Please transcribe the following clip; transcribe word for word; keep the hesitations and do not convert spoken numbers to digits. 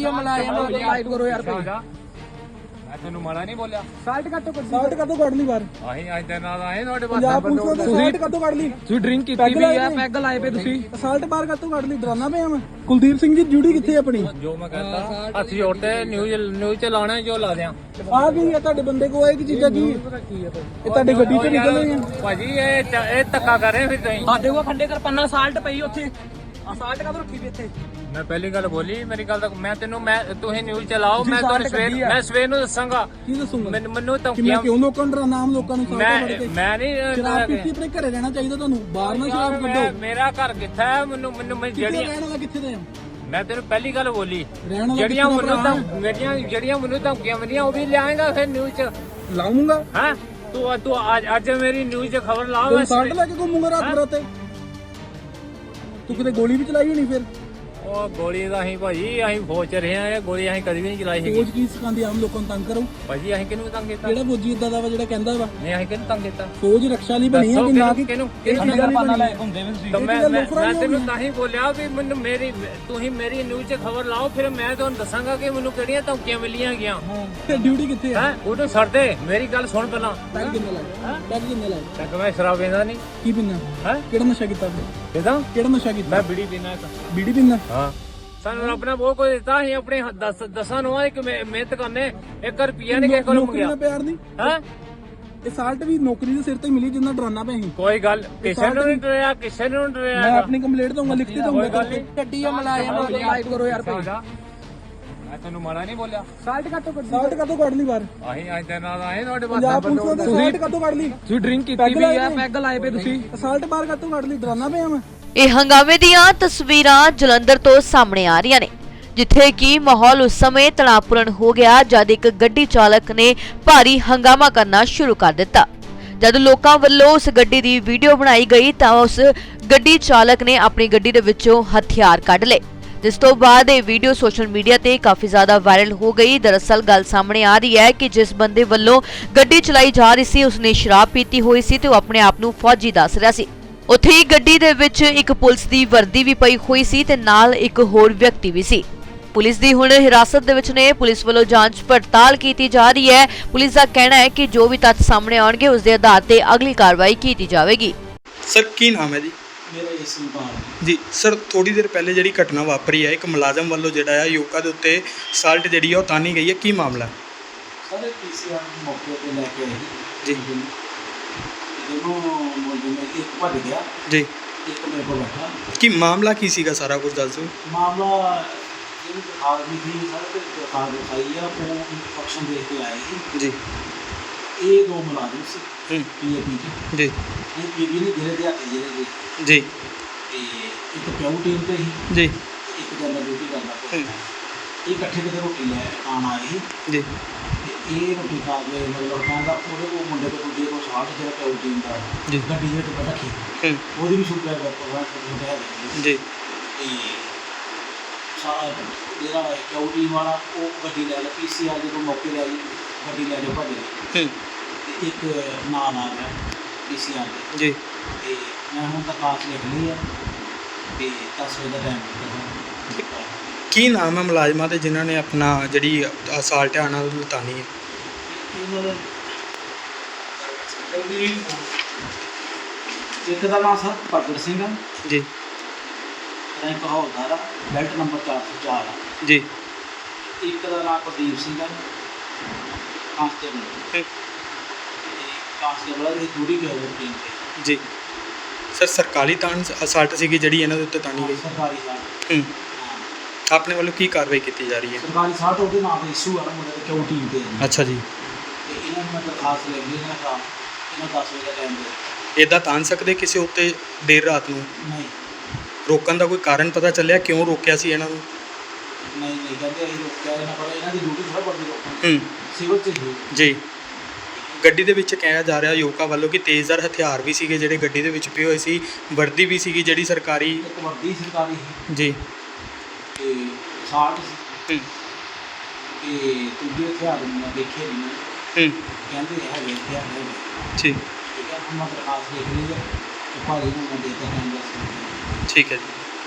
ਗੱਡੀ Malaya light ਕਰੋ ਯਾਰ ਭਾਈ। ਮੈਂ ਤੈਨੂੰ ਮਾੜਾ ਨਹੀਂ ਬੋਲਿਆ। ਸਾਲਟ ਕੱਟੋ ਕੱਢ ਸਾਲਟ ਕਦੋਂ ਕੱਢ ਲਈ ਬਾਹਰ? ਅਸੀਂ ਅੱਜ ਦੇ ਨਾਲ ਆਏ ਤੁਹਾਡੇ ਪੰਜਾਬ ਪੁਲਿਸ ਵਾਲੇ ਸਾਲਟ ਕਦੋਂ ਕੱਢ ਲਈ? ਤੁਸੀਂ ਡਰਿੰਕ ਕੀਤੀ ਵੀ ਆ, ਪੈਗ ਲਾਏ ਪਏ ਤੁਸੀਂ। ਸਾਲਟ ਬਾਹਰ ਕਦੋਂ ਕੱਢ ਲਈ? ਡਰਾਨਾ ਪਿਆ ਮੈਂ। ਕੁਲਦੀਪ ਸਿੰਘ ਜੀ ਡਿਊਟੀ ਕਿੱਥੇ ਆਪਣੀ? ਜੋ ਮੈਂ ਕਹਿੰਦਾ ਹੱਥ ਜੋੜ ਤੇ ਨਿਊਜ਼ ਨਿਊਜ਼ ਚ ਲਾਣਾ ਜੋ ਲਾ ਦਿਆਂ। ਆ ਗਈ ਹੈ ਤੁਹਾਡੇ ਬੰਦੇ ਕੋ ਇਹ ਕੀ ਚੀਜ਼ਾਂ ਕੀ ਇਹ ਤੁਹਾਡੇ ਗੱਡੀ ਚ ਨਿਕਲ ਰਹੀਆਂ ਭਾਜੀ ਇਹ ਇਹ ਧੱਕਾ ਕਰ ਰਹੇ ਫਿਰ ਤੁਸੀਂ। ਸਾਡੇ ਕੋਲ ਖੰਡੇ ਕਰ ਪੰਨਾ ਸਾਲਟ ਪਈ ਉੱਥੇ। ਆ ਸਾਲਟ ਕਦੋਂ ਰੱਖੀ ਵੀ ਇੱਥੇ? ਮੈਂ ਪਹਿਲੀ ਗੱਲ ਬੋਲੀ ਮੇਰੀ ਗੱਲ ਤੱਕ ਮੈਂ ਤੈਨੂੰ ਮੈਂ ਤੁਸੀਂ ਨਿਊਜ਼ ਚਲਾਓ ਮੈਂ ਤੁਹਾਨੂੰ ਸਵੇਰ ਮੈਂ ਸਵੇਰ ਨੂੰ ਦੱਸਾਂਗਾ। ਕੀ ਦੱਸੂਗਾ? ਮੈਨੂੰ ਮੈਨੂੰ ਤਾਂ ਕਿ ਮੈਂ ਕਿਉਂ ਲੋਕਾਂ ਨੂੰ ਡਰਾਨਾ? ਆਮ ਲੋਕਾਂ ਨੂੰ ਸਾਲਟ ਮੈਂ ਵੜ ਕੇ ਮੈਂ ਨਹੀਂ ਸ਼ਰਾਬ ਪੀਤੀ ਆਪਣੇ ਘਰੇ ਰਹਿਣਾ ਚਾਹੀਦਾ ਤੁਹਾਨੂੰ। ਬਾਹਰ ਨਾ ਸ਼ਰਾਬ ਮੈਂ- ਕੱਢੋ। ਮੇਰਾ ਘਰ ਕਿੱਥੇ ਹੈ? ਮੈਨੂੰ ਮੈਨੂੰ ਮੈਂ ਕਿੱਥੇ ਜਿਹੜੀਆਂ ਰਹਿਣ ਵਾਲਾ ਕਿੱਥੇ ਦੇ ਆ? ਮੈਂ ਤੈਨੂੰ ਪਹਿਲੀ ਗੱਲ ਬੋਲੀ ਰਹਿਣ ਵਾਲਾ ਜਿਹੜੀਆਂ ਕਿੱਥੇ ਦਾ ਮੈਨੂੰ ਭਰਾ? ਤਾਂ ਮੇਰੀਆਂ ਜਿਹੜੀਆਂ ਮੈਨੂੰ ਧਮਕੀਆਂ ਮਿਲੀਆਂ ਉਹ ਵੀ ਲਿਆਏਗਾ ਫਿਰ ਨਿਊਜ਼ ਚ। ਲਾਉਂਗਾ ਹੈਂ ਤੂੰ ਤੂੰ ਅੱਜ ਅੱਜ ਮੇਰੀ ਨਿਊਜ਼ 'ਚ ਖਬਰ ਲਾ ਤੂੰ ਮੈਂ ਸਾਲਟ ਲੈ ਕੇ ਘੁੰਮੂਗਾ ਰਾਤ ਬਰਾਤੇ। ਤੂੰ ਕਿਤੇ ਗੋਲੀ ਵੀ ਚਲਾਈ ਹੋਣੀ ਫਿਰ? ਉਹ ਗੋਲੀ ਦਾ ਅਸੀਂ ਭਾਜੀ ਅਸੀਂ ਫੌਜ ਚ ਰਹੇ ਆ ਗੋਲੀ ਅਸੀਂ ਕਦੀ ਵੀ ਨਹੀਂ ਚਲਾਈ ਹੈਗੀ ਫੌਜ ਕੀ ਸਿਖਾਉਂਦੀ ਆਮ ਲੋਕਾਂ ਨੂੰ ਤੰਗ ਕਰੋ? ਭਾਜੀ ਅਸੀਂ ਕਿਹਨੂੰ ਤੰਗ ਕੀਤਾ ਕਿਹੜਾ ਫੌਜੀ ਇਦਾਂ ਦਾ ਵਾ ਜਿਹੜਾ ਕਹਿੰਦਾ ਵਾ ਨਹੀਂ ਅਸੀਂ ਕਿਹਨੂੰ ਤੰਗ ਕੀਤਾ ਫੌਜ ਰਕਸ਼ਾ ਲਈ ਬਣੀ ਹੈ ਕਿ ਨਾ ਕਿ ਕਿਹਨੂੰ ਕਿਹਨੂੰ ਕਿਹਨੂੰ ਪੰਨਾ ਲੈ ਘੁੰਮਦੇ ਵੀ ਤੁਸੀਂ। ਤਾਂ ਮੈਂ ਇਹ ਤਾਂ ਮੈਂ ਲੋਫਰਾਂ ਮੈਂ ਦੀ ਤੈਨੂੰ ਹੋਣੀ। ਤਾਂ ਹੀ ਬੋਲਿਆ ਵੀ ਮੈਨੂੰ ਮੇਰੀ ਤੁਸੀਂ ਮੇਰੀ ਨਿਊਜ਼ 'ਚ ਖਬਰ ਲਾਓ ਫਿਰ ਮੈਂ ਤੁਹਾਨੂੰ ਦੱਸਾਂਗਾ ਕਿ ਮੈਨੂੰ ਕਿਹੜੀਆਂ ਧਮਕੀਆਂ ਮਿਲੀਆਂ ਗਿਆ ਤੇ ਡਿਊਟੀ ਕਿੱਥੇ ਆ? ਹੈ ਉਹਨੂੰ ਛੱਡ ਦੇ ਮੇਰੀ ਗੱਲ ਸੁਣ ਪਹਿਲਾਂ ਪੈਗ ਕਿੰਨੇ ਲਾਇਆ? ਪੈਗ ਕਿੰਨੇ ਲਾਇਆ? ਤੱਕ ਮੈਂ ਸ਼ਰਾਬ ਪੀਂਦਾ ਨਹੀਂ ਕੀ ਪੀਣਾ? ਹੈ ਕਿਹੜਾ ਨਸ਼ਾ ਕੀਤਾ ਤੂੰ? ਕਿਦਾਂ ਕਿਹੜਾ ਨਸ਼ਾ ਕੀਤਾ? ਮੈਂ ਬੀੜੀ ਪੀਣਾ ਇੱਕ ਬੀੜੀ ਪੀਣਾ? ਹਾਂ ਸਾਨੂੰ ਰੱਬ ਨੇ ਬਹੁਤ ਕੁਝ ਦਿੱਤਾ ਅਸੀਂ ਆਪਣੇ ਹੱਥ- ਦਸ ਦਸਾਂ ਨੂੰ ਇੱਕ ਮਿਹ- ਮਿਹਨਤ ਕਰਨੇ ਇੱਕ ਰੁਪਿਆ ਨਹੀਂ ਕਿਸੇ ਕੋਲ ਨੌਕਰੀ ਮੰਗਿਆ ਨਾਲ ਪਿਆਰ ਨਹੀਂ? ਹੈ ਇਹ ਸਾਲਟ ਵੀ ਨੌਕਰੀ ਦੇ ਸਿਰ ਤੇ ਮਿਲੀ ਜਿੰਨਾ ਡਰਾਨਾ ਪਿਆ ਸੀ। ਕੋਈ ਗੱਲ ਕਿਸੇ ਨੂੰ ਨਹੀਂ ਡਰਿਆ ਕਿਸੇ ਨੂੰ ਨਹੀਂ ਡਰਿਆ ਮੈਂ ਆਪਣੀ ਕੰਪਲੇਂਟ ਦਊਂਗਾ, ਲਿਖਤੀ ਦਊਂਗਾ। ਗੱਲ ਨਹੀਂ। ਗੱਡੀ ਮਲਾਇਆ ਲਾਈਟ ਕਰੋ ਯਾਰ ਭਾਈ। ਮੈਂ ਤੈਨੂੰ ਮਾੜਾ ਨਹੀਂ ਬੋਲਿਆ। ਸਾਲਟ ਕੱਟੋ ਕੱਢ ਸਾਲਟ ਕਦੋਂ ਕੱਢ ਲਈ ਬਾਹਰ? ਅਸੀਂ ਅੱਜ ਦੇ ਨਾਲ ਆਏ ਤੁਹਾਡੇ ਪੰਜਾਬ ਪੁਲਿਸ ਵਾਲੇ ਸਾਲਟ ਕਦੋਂ ਕੱਢ ਲਈ? ਤੁਸੀਂ ਡਰਿੰਕ ਕੀਤੀ ਵੀ ਆ, ਪੈਗ ਲਾਏ ਪਏ ਤੁਸੀਂ। ਸਾਲਟ ਬਾਹਰ ਕਦੋਂ ਕੱਢ ਲਈ? ਡਰਾਨਾ ਪਿਆ ਮੈਂ। ਇਹ ਹੰਗਾਮੇ ਦੀਆਂ ਤਸਵੀਰਾਂ ਜਲੰਧਰ ਤੋਂ ਸਾਹਮਣੇ ਆ ਰਹੀਆਂ ਨੇ, ਜਿੱਥੇ ਕਿ ਮਾਹੌਲ ਉਸ ਸਮੇਂ ਤਣਾਅਪੂਰਨ ਹੋ ਗਿਆ ਜਦ ਇੱਕ ਗੱਡੀ ਚਾਲਕ ਨੇ ਭਾਰੀ ਹੰਗਾਮਾ ਕਰਨਾ ਸ਼ੁਰੂ ਕਰ ਦਿੱਤਾ। ਜਦ ਲੋਕਾਂ ਵੱਲੋਂ ਉਸ ਗੱਡੀ ਦੀ ਵੀਡੀਓ ਬਣਾਈ ਗਈ ਤਾਂ ਉਸ ਗੱਡੀ ਚਾਲਕ ਨੇ ਆਪਣੀ ਗੱਡੀ ਦੇ ਵਿੱਚੋਂ ਹਥਿਆਰ ਕੱਢ ਲਏ, ਜਿਸ ਤੋਂ ਬਾਅਦ ਇਹ ਵੀਡੀਓ ਸੋਸ਼ਲ ਮੀਡੀਆ ਤੇ ਕਾਫੀ ਜ਼ਿਆਦਾ ਵਾਇਰਲ ਹੋ ਗਈ। ਦਰਅਸਲ ਗੱਲ ਸਾਹਮਣੇ ਆ ਰਹੀ ਹੈ ਕਿ ਜਿਸ ਬੰਦੇ ਵੱਲੋਂ ਗੱਡੀ ਚਲਾਈ ਜਾ ਰਹੀ ਸੀ ਉਸਨੇ ਸ਼ਰਾਬ ਪੀਤੀ ਹੋਈ ਸੀ ਤੇ ਉਹ ਆਪਣੇ ਆਪ ਨੂੰ ਫੌਜੀ ਦੱਸ ਰਿਹਾ ਸੀ। ਉੱਥੇ ਹੀ ਗੱਡੀ ਦੇ ਵਿੱਚ ਇੱਕ ਪੁਲਿਸ ਦੀ ਵਰਦੀ ਵੀ ਪਈ ਹੋਈ ਸੀ ਤੇ ਨਾਲ ਇੱਕ ਹੋਰ ਵਿਅਕਤੀ ਵੀ ਸੀ। ਪੁਲਿਸ ਦੀ ਹੁਣ ਹਿਰਾਸਤ ਦੇ ਵਿੱਚ ਨੇ। ਪੁਲਿਸ ਵੱਲੋਂ ਜਾਂਚ ਪੜਤਾਲ ਕੀਤੀ ਜਾ ਰਹੀ ਹੈ। ਪੁਲਿਸ ਦਾ ਕਹਿਣਾ ਹੈ ਕਿ ਜੋ ਵੀ ਤੱਥ ਸਾਹਮਣੇ ਆਉਣਗੇ ਉਸ ਦੇ ਆਧਾਰ ਤੇ ਅਗਲੀ ਕਾਰਵਾਈ ਕੀਤੀ ਜਾਵੇਗੀ। ਸਰ ਕੀ ਨਾਮ ਹੈ ਜੀ? ਮੇਰਾ ਇਸ ਨੂੰ ਜੀ ਸਰ, ਥੋੜੀ ਦੇਰ ਪਹਿਲੇ ਜਿਹੜੀ ਘਟਨਾ ਵਾਪਰੀ ਹੈ ਇੱਕ ਮੁਲਾਜ਼ਮ ਵੱਲੋਂ ਜਿਹੜਾ ਹੈ ਯੁਵਕਾ ਦੇ ਉੱਤੇ ਸਾਲਟ ਜਿਹੜੀ ਹੈ ਉਹ ਤਾਨੀ ਗਈ ਹੈ, ਕੀ ਮਾਮਲਾ? ਸਾਰੇ ਪੀਸੀਆਰ ਮੌਕੇ ਤੇ ਲੈ ਕੇ ਆਏ ਜੀ ਦੋਨੋਂ ਮੁੰਡੇ ਨੇ ਇੱਕ ਭੱਜ ਗਿਆ ਜੀ ਇੱਕ ਮੇਰੇ ਕੋਲ ਬੈਠਾ। ਕੀ ਮਾਮਲਾ ਕੀ ਸੀਗਾ ਸਾਰਾ ਕੁਝ ਦੱਸ ਦਿਓ। ਮਾਮਲਾ ਇਹ ਆਦਮੀ ਦੀ ਸਰ ਤੇ ਦੁਕਾਨ ਦਿਖਾਈ ਆ ਉਹ ਫੰਕਸ਼ਨ ਦੇਖ ਕੇ ਆਏ ਸੀ। ਜੀ ਇਹ ਦੋ ਮੁਲਾਜ਼ਮ ਸੀ ਹੂੰ ਪੀਏਪੀ ਦੇ। ਜੀ ਇਹ ਪੀਏਪੀ ਨੇ ਜਿਹੜੇ ਦੇ ਹੱਥ ਜਿਹੜੇ ਦੇ ਜੀ ਤੇ ਇੱਕ ਪਿਓ ਟੀਮ ਤੇ ਸੀ ਜੀ ਇੱਕ ਜਨਰਲ ਡਿਊਟੀ ਕਰਦਾ ਕੋਈ। ਹੂੰ। ਇਹ ਇਕੱਠੇ ਕਿਤੇ ਰੋਟੀ ਲੈ ਆਉਣ ਆਏ ਸੀ ਜੀ ਤੇ ਇਹ ਰੋਟੀ ਖਾ ਕੇ ਮਤਲਬ ਕਹਿੰਦਾ ਉਹਦੇ ਕੋਲ ਮੁੰਡੇ ਕੋਲ ਦੂਜੇ ਕੋਲ ਸਾਥ ਜਿਹੜਾ ਪਿਓ ਟੀਮ ਦਾ ਜੀ ਗੱਡੀ ਦੇ ਵਿੱਚ ਰੱਖੀ ਹੂੰ ਉਹਦੀ ਵੀ ਸ਼ੁਕਰ ਹੈ ਪ੍ਰੋਗਰਾਮ ਹੈ ਜੀ ਤੇ ਸਾਰਾ ਜਿਹੜਾ ਪਿਓ ਟੀਮ ਵਾਲਾ ਉਹ ਗੱਡੀ ਲੈ ਲਿਆ ਪੀਸੀਆਰ ਦੇ ਕੋਲ ਮੌਕੇ ਤੇ ਆਈ ਗੱਡੀ ਲੈ ਕੇ ਭੱਜ ਗਏ ਹੂੰ ਤੇ ਇੱਕ ਨਾਲ ਆ ਗਿਆ ਪੀਸੀਆਰ ਦੇ ਜੀ ਤੇ ਮੈਂ ਹੁਣ ਦਰਖਾਸਤ ਲਿਖ ਲਈ ਹੈ ਤੇ ਦਸ ਵਜੇ ਦਾ ਟਾਈਮ ਦਿੱਤਾ। ਕੀ ਨਾਮ ਹੈ ਮੁਲਾਜ਼ਮਾਂ ਦੇ ਜਿਨ੍ਹਾਂ ਨੇ ਆਪਣਾ ਜਿਹੜੀ ਸਾਲਟ ਆਣਾ ਲਤਾਨੀ ਹੈ? ਇੱਕ ਦਾ ਨਾਮ ਸਰ ਪ੍ਰਗਟ ਸਿੰਘ ਆ, ਜੀ ਰੈਂਕ ਹੌਲਦਾਰ ਆ, ਬੈਲਟ ਨੰਬਰ ਚਾਰ ਸੌ ਚਾਰ ਆ। ਜੀ ਇੱਕ ਦਾ ਨਾਮ ਕੁਲਦੀਪ ਸਿੰਘ ਆ, ਕਾਂਸਟੇਬਲ ਤੇ ਕਾਂਸਟੇਬਲ ਦੀ ਡਿਊਟੀ ਗਏ ਹੋਏ ਟੀਮ ਤੇ। ਜੀ ਸਰ, ਸਰਕਾਰੀ ਤਾਨ ਸਾਲਟ ਸੀਗੀ ਜਿਹੜੀ ਇਹਨਾਂ ਦੇ ਉੱਤੇ ਤਾਨੀ ਗਈ? ਸਰਕਾਰੀ ਸਾਟ ਹੂੰ। ਆਪਣੇ ਵੱਲੋਂ ਕੀ ਕਾਰਵਾਈ ਕੀਤੀ ਜਾ ਰਹੀ ਹੈ? ਸਰਕਾਰੀ ਸਾਟ ਉਹਦੇ ਨਾਮ ਦਾ ਇਸ਼ੂ ਆ ਨਾ ਮੁੰਡੇ ਦੇ ਕਿਉਂ ਟੀਮ ਤੇ ਆ। ਅੱਛਾ ਜੀ। ਤੇ ਇਹਨਾਂ ਨੂੰ ਮੈਂ ਦਰਖਾਸਤ ਲਿਖ ਲਈ ਇਹਨਾਂ ਦਾ ਇਹਨਾਂ ਦਸ ਵਜੇ ਦਾ ਟਾਈਮ ਦੇ ਇੱਦਾਂ ਤਾਨ ਸਕਦੇ ਕਿਸੇ ਉੱਤੇ ਦੇਰ ਰਾਤ ਨੂੰ? ਨਹੀਂ ਰੋਕਣ ਦਾ ਕੋਈ ਕਾਰਨ ਪਤਾ ਚੱਲਿਆ ਕਿਉਂ ਰੋਕਿਆ ਸੀ ਇਹਨਾਂ ਨੂੰ? ਨਹੀਂ ਨਹੀਂ ਕਹਿੰਦੇ ਅਸੀਂ ਰੋਕਿਆ ਇਹਨਾਂ ਪਰ ਇਹਨਾਂ ਦੀ ਡਿਊਟੀ ਥੋੜਾ ਪੜਦੀ ਰੋਕਣ ਹੂੰ ਸਿਵਲ ਚ ਹੀ। ਜੀ ਗੱਡੀ ਦੇ ਵਿੱਚ ਕਿਹਾ ਜਾ ਰਿਹਾ ਯੁਵਕਾਂ ਵੱਲੋਂ ਕਿ ਤੇਜ਼ਧਾਰ ਹਥਿਆਰ ਵੀ ਸੀਗੇ ਜਿਹੜੇ ਗੱਡੀ ਦੇ ਵਿੱਚ ਪਏ ਹੋਏ ਸੀ, ਵਰਦੀ ਵੀ ਸੀਗੀ ਜਿਹੜੀ ਸਰਕਾਰੀ। ਇੱਕ ਵਰਦੀ ਸਰਕਾਰੀ ਸੀ ਜੀ ਤੇ ਸਾਟ ਸੀ ਹੂੰ ਤੇ ਦੂਜੇ ਹਥਿਆਰ ਮੈਂ ਦੇਖੇ ਨਹੀਂ ਹੂੰ ਕਹਿੰਦੇ ਹੈਗੇ ਹਥਿਆਰ ਹੈਗੇ। ਠੀਕ ਠੀਕ ਹੈ ਹੁਣ ਮੈਂ ਦਰਖਾਸਤ ਲਿਖ ਲਈ ਹੈ ਤੇ ਭਾਜੀ ਨੂੰ ਮੈਂ ਦੇ ਦਿੱਤਾ ਟਾਈਮ ਦੱਸ ਠੀਕ ਹੈ ਜੀ।